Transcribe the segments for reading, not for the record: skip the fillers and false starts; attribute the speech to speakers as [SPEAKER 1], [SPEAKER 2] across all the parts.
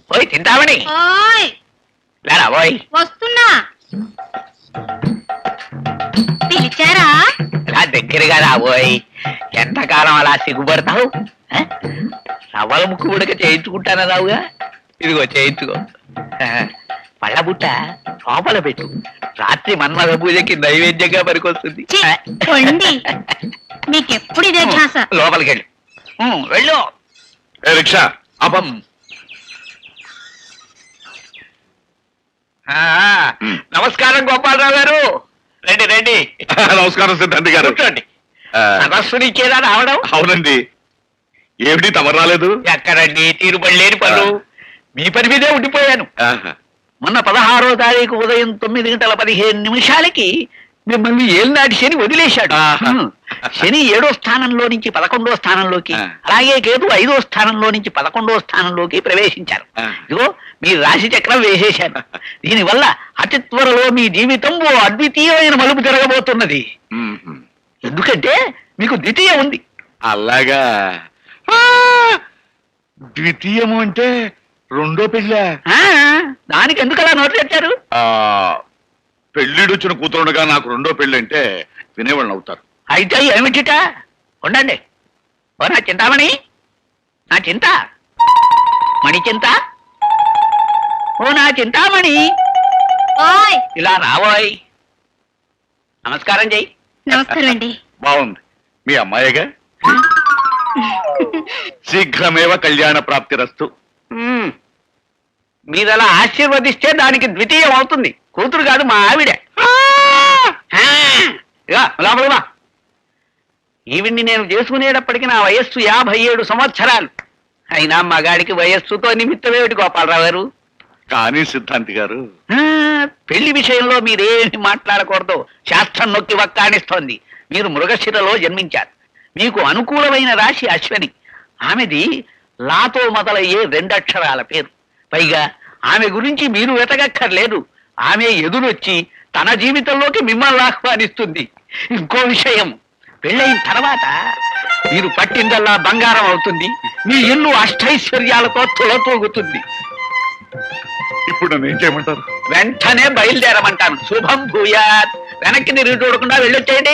[SPEAKER 1] ఓయ్ తింటావని
[SPEAKER 2] ఓయ్
[SPEAKER 1] లేరా ఓయ్
[SPEAKER 2] వస్తున్నా. పిలిచారా?
[SPEAKER 1] ఇలా దగ్గరగా రాబోయ్. ఎంతకాలం అలా సిగ్గుపడతావు? రవ్వల ముక్కు ఉడక చేయించుకుంటానా రావుగా? ఇదిగో చేయించుకో. పళ్ళ బుట్ట లోపల పెట్టు. రాత్రి మన్మథ పూజకి నైవేద్యంగా పనికొస్తుంది.
[SPEAKER 2] ఛీ, పొండి. మీకెప్పుడు ఇదే ధ్యాస.
[SPEAKER 1] లోపలికి వెళ్ళు. వెళ్ళు.
[SPEAKER 3] రిక్షా అపం.
[SPEAKER 1] నమస్కారం గోపాలరావు గారు. రండి రండి.
[SPEAKER 3] నమస్కారం సిద్ధాంతి గారు.
[SPEAKER 1] కూర్చోండి. సరస్సుని ఇచ్చేదా రావడం?
[SPEAKER 3] అవునండి. ఏమిటి తమరు రాలేదు?
[SPEAKER 1] ఎక్కడండి తీరుబడి లేని పనులు. మీ పని మీదే ఉండిపోయాను.
[SPEAKER 3] ఆహా.
[SPEAKER 1] మొన్న 16వ తారీఖు ఉదయం 9:15 మిమ్మల్ని ఏలినాటి శని వదిలేశాడు.
[SPEAKER 3] ఆహా.
[SPEAKER 1] శని 7వ స్థానంలో నుంచి 11వ స్థానంలోకి, అలాగే కేతు 5వ స్థానంలో నుంచి 11వ స్థానంలోకి ప్రవేశించారు. ఇదిగో మీ రాశి చక్రం వేసేశాను. దీనివల్ల అతి త్వరలో మీ జీవితం ఓ అద్వితీయమైన మలుపు జరగబోతున్నది.
[SPEAKER 3] మ్మ్.
[SPEAKER 1] ఎందుకంటే మీకు ద్వితీయ ఉంది.
[SPEAKER 3] అలాగా. ద్వితీయము అంటే రెండో పెళ్ళ.
[SPEAKER 1] దానికి ఎందుకు అలా నోట్లు తెచ్చారు?
[SPEAKER 3] పెళ్ళిడొచ్చిన కూతురుగా నాకు రెండో పెళ్ళి అంటే వినేవాళ్ళని అవుతారు.
[SPEAKER 1] అయితే ఏమిటిట? ఉండండి. ఓ నా చింతామణి, నా చింత మణి చింత, ఓ నా చింతామణి,
[SPEAKER 2] ఓయ్
[SPEAKER 1] ఇలా రావోయ్. నమస్కారం చెయ్యి.
[SPEAKER 2] నమస్కారం అండి.
[SPEAKER 3] బాగుంది. మీ అమ్మాయిగా? శీఘ్రమేవ కళ్యాణ ప్రాప్తిరస్తు.
[SPEAKER 1] మీరు అలా ఆశీర్వదిస్తే దానికి ద్వితీయం అవుతుంది. కూతురు కాదు, మా ఆవిడే. లోపల ఈవిడ్ని నేను చేసుకునేటప్పటికి నా వయస్సు 57 సంవత్సరాలు. అయినా మగాడికి వయస్సుతో నిమిత్తమేమిటి గోపాలరావు గారు?
[SPEAKER 3] కానీ సిద్ధాంతి గారు,
[SPEAKER 1] పెళ్లి విషయంలో మీరేమి మాట్లాడకూడదు. శాస్త్రం నొక్కి వక్కాణిస్తోంది. మీరు మృగశిరలో జన్మించారు. మీకు అనుకూలమైన రాశి అశ్వని. ఆమెది లాతో మొదలయ్యే 2 అక్షరాల పేరు. పైగా ఆమె గురించి మీరు వెతకక్కర్లేదు. ఆమె ఎదురొచ్చి తన జీవితంలోకి మిమ్మల్ని ఆహ్వానిస్తుంది. ఇంకో విషయం, పెళ్ళైన తర్వాత మీరు పట్టిందల్లా బంగారం అవుతుంది. మీ ఇల్లు అష్టైశ్వర్యాలతో తులతూగుతుంది.
[SPEAKER 3] ఇప్పుడు నన్ను ఏం చేయమంటారు?
[SPEAKER 1] వెంటనే బయలుదేరమంటాను. శుభం భూయాత్. వెనక్కి తిరిగి చూడకుండా వెళ్ళొచ్చేయండి.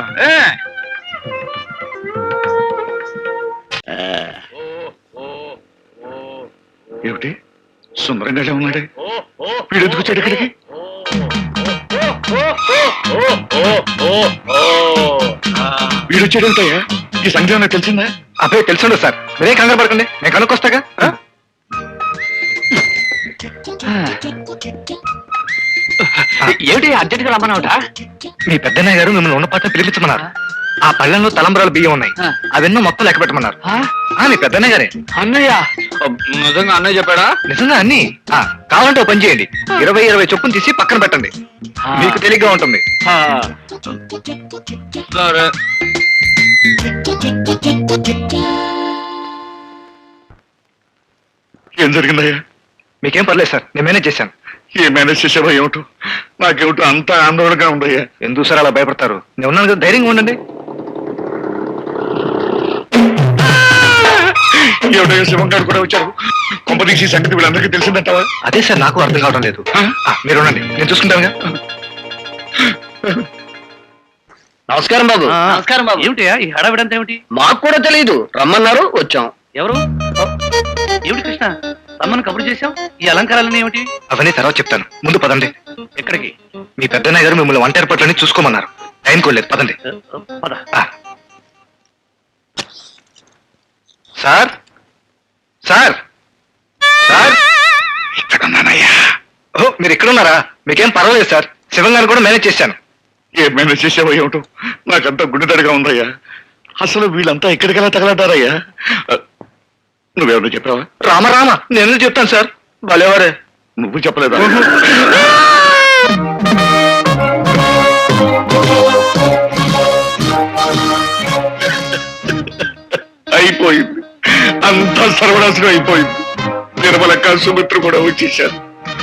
[SPEAKER 3] ఏమిటి సుందరంగానే ఉన్నాడే? వీడు ఎందుకు వచ్చాడు ఇక్కడికి? వీడు వచ్చాడేమిటయ్యా? ఈ సంగతి నాకు తెలిసిందా?
[SPEAKER 4] అబ్బాయి తెలుసుండదు సార్. మీరే కంగారు పడకండి, నేను కనుక్కొస్తాగా.
[SPEAKER 1] ఏమిటి అర్జెంట్గా రమ్మన్నావుట?
[SPEAKER 4] మీ పెద్దన్నయ్య గారు మిమ్మల్ని ఉన్న పాట పిలిపించమన్నారు. ఆ పళ్ళెంలో తలంబరాలు బియ్యం ఉన్నాయి, అవెన్నో మొత్తం లెక్క పెట్టమన్నారు. మీ పెద్దన్నయ్య గారే.
[SPEAKER 1] అన్నయ్య? నిజంగా అన్నయ్య చెప్పాడా?
[SPEAKER 4] నిజంగా అన్ని. కావాలంటే ఓ పని చేయండి, 20 చొప్పున తీసి పక్కన పెట్టండి, మీకు తేలిగ్గా ఉంటుంది.
[SPEAKER 1] సరే.
[SPEAKER 3] ఏం జరిగిందయ్యా?
[SPEAKER 4] మీకేం పర్లేదు సార్, నేను మేనేజ్ చేశాను.
[SPEAKER 3] ఏ మేనేజ్ చేసావా? ఏమిటో నాకేమిటో అంత ఆందోళనగా ఉందయ్యా.
[SPEAKER 4] ఎందుకు సార్ అలా భయపడతారు? నేను ఉన్నాను కదా, ధైర్యంగా ఉండండి.
[SPEAKER 3] ఏమిటయ్యా, శివం గారు కూడా వచ్చారు. కొంపదీసి సంగతి వీళ్ళందరికీ తెలిసిందంటావా?
[SPEAKER 4] అదే సార్ నాకు అర్థం కావడం లేదు. మీరు ఉండండి, నేను చూసుకుంటానుగా.
[SPEAKER 5] నమస్కారం బాబు.
[SPEAKER 1] నమస్కారం బాబు. ఏమిటయా ఈ హడావిడంతా ఏమిటి?
[SPEAKER 5] మాకు కూడా తెలియదు, రమ్మన్నారు వచ్చాం.
[SPEAKER 1] ఎవరు? ఏమిటి కృష్ణ, రమ్మను కబురు చేశాం. ఈ అలంకారాలన్నీ ఏమిటి?
[SPEAKER 4] అవన్నీ తర్వాత చెప్తాను, ముందు పదండి.
[SPEAKER 1] ఎక్కడికి?
[SPEAKER 4] మీ పెద్దన్నయ్య గారు మిమ్మల్ని వంట ఏర్పాట్లని చూసుకోమన్నారు. టైం కోలేదు, పదండి.
[SPEAKER 1] పద.
[SPEAKER 4] సార్ సార్ సార్,
[SPEAKER 3] ఇక్కడున్నానయ్యా.
[SPEAKER 4] ఓ మీరు ఇక్కడ ఉన్నారా? మీకేం పర్వాలేదు సార్, శివం గారు కూడా మేనేజ్ చేశాను.
[SPEAKER 3] ఏ మేనేజ్ చేసావో ఏమిటో నాకంతా గుండెదడిగా ఉందయ్యా. అసలు వీళ్ళంతా ఎక్కడికెలా తగలడ్డారయ్యా? నువ్వెవరు చెప్పావా?
[SPEAKER 4] రామ నేను చెప్తాను సార్. భలేవారే.
[SPEAKER 3] నువ్వు చెప్పలేదా? అయిపోయింది, అంతా సర్వనాశనం అయిపోయింది. నిర్మలక్క, సుమిత్ర కూడా వచ్చేసారు.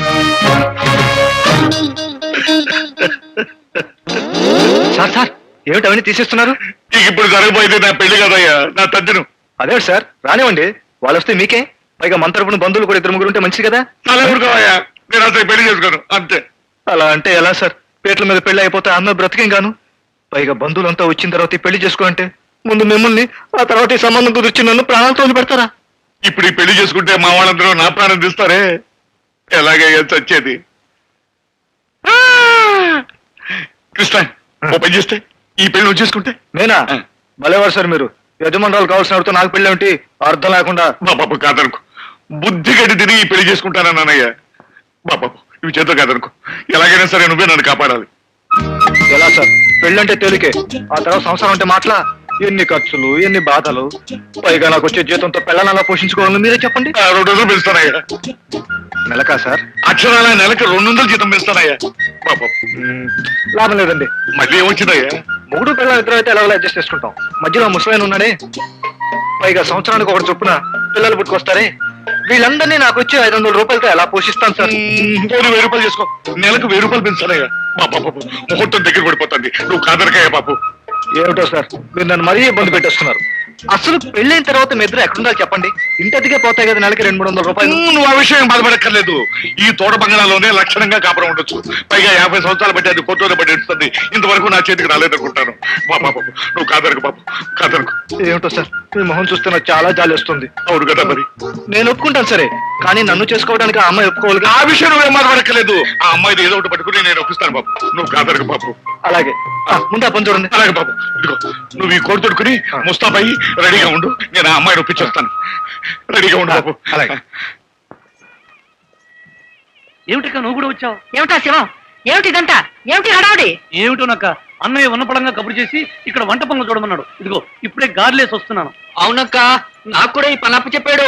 [SPEAKER 4] సార్ సార్, ఏమిటి అవన్నీ తీసేస్తున్నారు?
[SPEAKER 3] ఇప్పుడు జరగబోయేది నా పెళ్లి కదయ్యా, నా తద్దిను.
[SPEAKER 4] అదే సార్, రానివ్వండి, వాళ్ళు వస్తే మీకే. పైగా మన తరపున బంధువులు కూడా ఇద్దరు ముగ్గురు ఉంటే మంచిది కదా.
[SPEAKER 3] చాలా ఊరుకోవయ్యా, నేను అసలు పెళ్లి చేసుకోను అంతే.
[SPEAKER 4] అలా అంటే ఎలా సార్? పేట్ల మీద పెళ్లి అయిపోతే అన్న బ్రతికేం గాను. పైగా బంధువులంతా వచ్చిన తర్వాత ఈ పెళ్లి చేసుకోవాలంటే ముందు మిమ్మల్ని, ఆ తర్వాత ఈ సంబంధం కుదిర్చి నన్ను ప్రాణాలతో పెడతారా?
[SPEAKER 3] ఇప్పుడు ఈ పెళ్లి చేసుకుంటే మా వాళ్ళందరూ నా ప్రాణం తీస్తారే, ఎలాగయ్యా చచ్చేది? ఆ! కృష్ణ, ఓ పని చేస్తే ఈ పెళ్లి నువ్వు చేసుకుంటే.
[SPEAKER 4] నేనా? భలేవారు సార్ మీరు. యజమానురాలు కావాల్సిన వాడితో నాకు పెళ్లి ఏమిటి? అర్థం లేకుండా.
[SPEAKER 3] బాబాబు కాదనుకో, బుద్ధి గడ్డి తిని ఈ పెళ్లి చేసుకుంటానన్నయ్య. బాబాబు ఇవి చేతులు కాదనుకో, ఎలాగైనా సరే నువ్వే నన్ను కాపాడాలి.
[SPEAKER 4] ఎలా సార్? పెళ్ళంటే తేలికే, ఆ తర్వాత సంసారం అంటే మాటలా? ఎన్ని ఖర్చులు, ఎన్ని బాధలు, పైగా నాకు వచ్చే జీతంతో పిల్లలు అలా పోషించుకోవాలని మీరే చెప్పండి.
[SPEAKER 3] 2 రోజులు పెంచుతానయ్యా.
[SPEAKER 4] నెలకా సార్?
[SPEAKER 3] అక్షరాల నెలకి 200 జీతం పెంచుతానయ్యా. బాబాబు
[SPEAKER 4] లాభం లేదండి.
[SPEAKER 3] మళ్ళీ ఏమొచ్చిందయ్యా?
[SPEAKER 4] మొగుడు పిల్లలు ఇద్దరు అయితే ఎలా అడ్జస్ట్ చేసుకుంటాం. మధ్యలో ముసలాయన ఉన్నాడే, పైగా సంవత్సరానికి ఒకటి చొప్పున పిల్లలు పుట్టుకొస్తారే, వీళ్ళందరినీ నాకు వచ్చి 500 రూపాయలతో ఎలా పోషిస్తాను సార్?
[SPEAKER 3] 1000 రూపాయలు చేసుకో, నెలకు 1000 రూపాయలు పెంచానయ్యా. బాబాబు ముహూర్తం దగ్గర పడిపోతుంది, నువ్వు కాదనకయ్యా బాబు.
[SPEAKER 4] ఏమిటో సార్, మీరు నన్ను మరీ ఇబ్బంది పెట్టేస్తున్నారు. అసలు పెళ్ళైన తర్వాత మీ ఇద్దరు ఎక్కడుండాలి చెప్పండి? ఇంటదిగే పోతాయి కదా నెలకి 200-300 రూపాయలు.
[SPEAKER 3] నువ్వు ఆ విషయం బాధపడక్కర్లేదు. ఈ తోట బంగాళాలోనే లక్షణంగా కాపురం ఉండొచ్చు. పైగా 50 సంవత్సరాలు బట్టి అది కోర్టులో పట్టి ఇస్తుంది. ఇంతవరకు నా చేతికి రాలేదనుకుంటాను. బాబు నువ్వు కాదనకు బాబు, కాదనకు.
[SPEAKER 4] ఏమిటో సార్, మీ మొహం చూస్తే నాకు చాలా జాలి వస్తుంది.
[SPEAKER 3] అవును కదా మరి.
[SPEAKER 4] నేను ఒప్పుకుంటాను సరే, కానీ నన్ను చేసుకోవడానికి ఆ అమ్మాయి ఒప్పుకోవాలి.
[SPEAKER 3] ఆ విషయం నువ్వేం బాధపడక్కర్లేదు. ఆ అమ్మాయిది ఏదో ఒకటి పట్టుకుని నేను ఒప్పిస్తాను బాబు. నువ్వు కాదనకు బాబు.
[SPEAKER 4] అలాగే, ముందు ఆ పని చూడండి.
[SPEAKER 3] అలాగే బాబు, ఇదిగో నువ్వు ఈ కోడి తొడుకుని ముస్తాబయ్యి రెడీగా ఉండు. నేను ఆ అమ్మాయిని ఒప్పించేస్తాను. రెడీగా ఉండు బాబు.
[SPEAKER 4] అలాగే.
[SPEAKER 6] ఏమిటక్క నువ్వు కూడా వచ్చావు?
[SPEAKER 2] ఏమిటా శివం? ఏమిటి ఇదంతా? ఏమిటి హడావుడి?
[SPEAKER 6] ఏమిటోనక్క, అన్నయ్య ఉన్నపడంగా కబురు చేసి ఇక్కడ వంట పనులు చూడమన్నాడు. ఇదిగో ఇప్పుడే గార్లేసి వస్తున్నాను.
[SPEAKER 5] అవునక్క, నాకు కూడా ఈ పని అప్పు చెప్పాడు.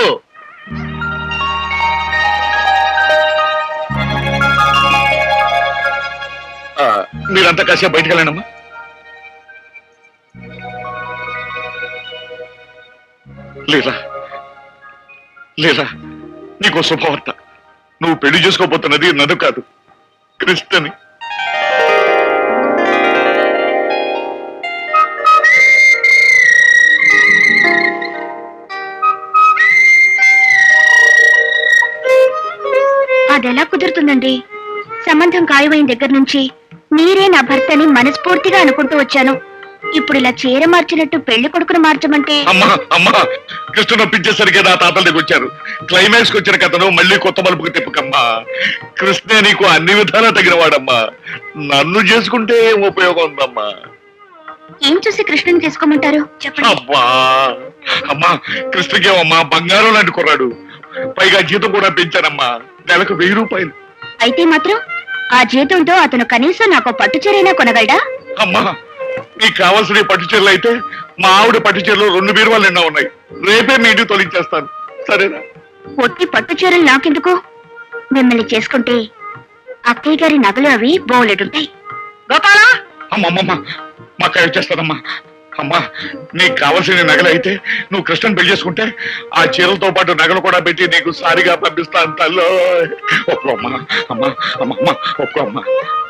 [SPEAKER 3] మీరంతా కాసేపు బయటకు వెళ్ళండమ్మా. లేదా లేదా నీకో శుభవార్త. నువ్వు పెళ్లి చేసుకోబోతున్నది నన్ను కాదు, కృష్ణని.
[SPEAKER 2] అదెలా కుదురుతుందండి? సంబంధం ఖాయమైన దగ్గర నుంచి మీరే నా భర్తని మనస్ఫూర్తిగా అనుకుంటూ వచ్చాను. ఇప్పుడు ఇలా చీర మార్చినట్టు పెళ్లి కొడుకును మార్చమంటే?
[SPEAKER 3] అమ్మా కృష్ణ నొప్పించేసరికి నా తాతల దగ్గర వచ్చారు. క్లైమాక్స్ కి వచ్చిన కథను మళ్ళీ కొత్త మలుపుకి తిప్పకమ్మా. కృష్ణే నీకు అన్ని విధాలా తగిన వాడమ్మా. నన్ను చేసుకుంటే ఏం ఉపయోగం ఉందమ్మా?
[SPEAKER 2] ఏం చూసి కృష్ణని చేసుకోమంటారు చెప్పండి.
[SPEAKER 3] అబ్బా అమ్మా, కృష్ణకేమమ్మా బంగారం లాంటి కుర్రాడు. పైగా జీతం కూడా పెంచానమ్మా, నెలకు 1000 రూపాయలు.
[SPEAKER 2] అయితే మాత్రం ఆ జీతంతో అతను కనీసం నాకు పట్టు చీరైనా కొనగలడా?
[SPEAKER 3] అమ్మా నీకు కావాల్సిన ఈ పట్టు చీరలు అయితే మా ఆవిడ పట్టు చీరలు 2 బీరువాలు నిండా ఉన్నాయి. రేపే మీ ఇంటికి తొలగించేస్తాను, సరేనా?
[SPEAKER 2] ఒట్టి పట్టు చీరలు నాకెందుకు? మిమ్మల్ని చేసుకుంటే అక్కయ్య గారి నగలు అవి బోలెడుంటాయి. గోపాలా!
[SPEAKER 3] అమ్మమ్మమ్మ మా అక్క వచ్చేస్తానమ్మా. అమ్మా నీకు కావాల్సిన నగలు అయితే నువ్వు కృష్ణని పెళ్లి చేసుకుంటే ఆ చీరలతో పాటు నగలు కూడా పెట్టి నీకు సారిగా పంపిస్తాను తల్లో. ఒప్పుకో అమ్మా. అమ్మా అమ్మమ్మ ఒప్పుకో అమ్మా.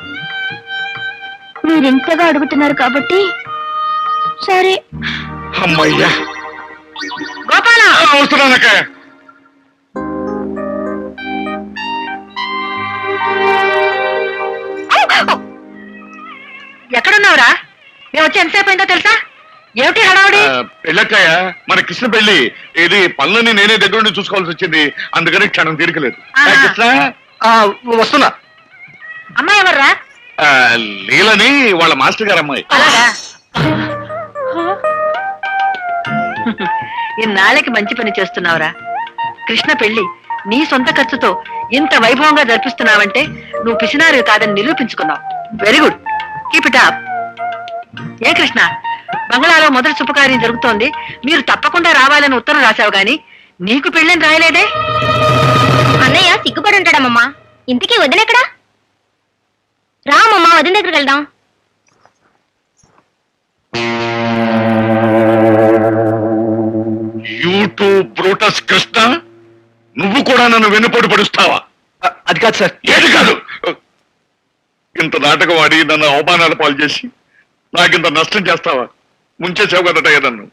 [SPEAKER 2] మీరింతగా అడుగుతున్నారు కాబట్టి సరే.
[SPEAKER 3] అమ్మయ్యా
[SPEAKER 2] గోపాలా!
[SPEAKER 3] వస్తున్నానక్క.
[SPEAKER 2] ఎక్కడున్నావురా? మేము వచ్చి ఎంతసేపు అయిందో తెలుసా? ఏమిటి హడావుడి?
[SPEAKER 3] పెళ్ళక్కయ్య, మన కృష్ణ పెళ్లి ఇది పనులని నేనే దగ్గర నుండి చూసుకోవాల్సి వచ్చింది. అందుకని క్షణం తీరికలేదు.
[SPEAKER 2] ఆహా.
[SPEAKER 3] కృష్ణ
[SPEAKER 4] వస్తున్నా.
[SPEAKER 2] అమ్మాయి ఎవర్రా?
[SPEAKER 3] లీలని వాళ్ళ మాస్టర్ గారు అమ్మాయి.
[SPEAKER 2] అలాగా? ఇన్నాళ్ళకి మంచి పని చేస్తున్నావురా. కృష్ణ పెళ్లి నీ సొంత ఖర్చుతో ఇంత వైభవంగా జరిపిస్తున్నావంటే నువ్వు పిసినారు కాదని నిరూపించుకున్నావు. Very good, keep it up. ఏ కృష్ణ, బంగ్లాలో మొదటి శుభకార్యం జరుగుతోంది, మీరు తప్పకుండా రావాలని ఉత్తరం రాశావు గాని నీకు పెళ్ళని రాయలేదే?
[SPEAKER 7] అన్నయ్య సిగ్గుపడి ఉంటాడమ్మమ్మా. ఇంతకీ వదినెక్కడా? రామమ్మా, వదిన దగ్గరికి వెళ్దాం.
[SPEAKER 3] యూట్యూబ్ బ్రూటస్ కృష్ణ, నువ్వు కూడా నన్ను వెన్నుపోటు పడుస్తావా?
[SPEAKER 4] అది కాదు సార్.
[SPEAKER 3] ఏది కాదు, ఇంత నాటకం ఆడి నన్ను అవమానాల పాలు చేసి నాకింత నష్టం చేస్తావా? ముంచేసావు కదటయ్య నన్ను.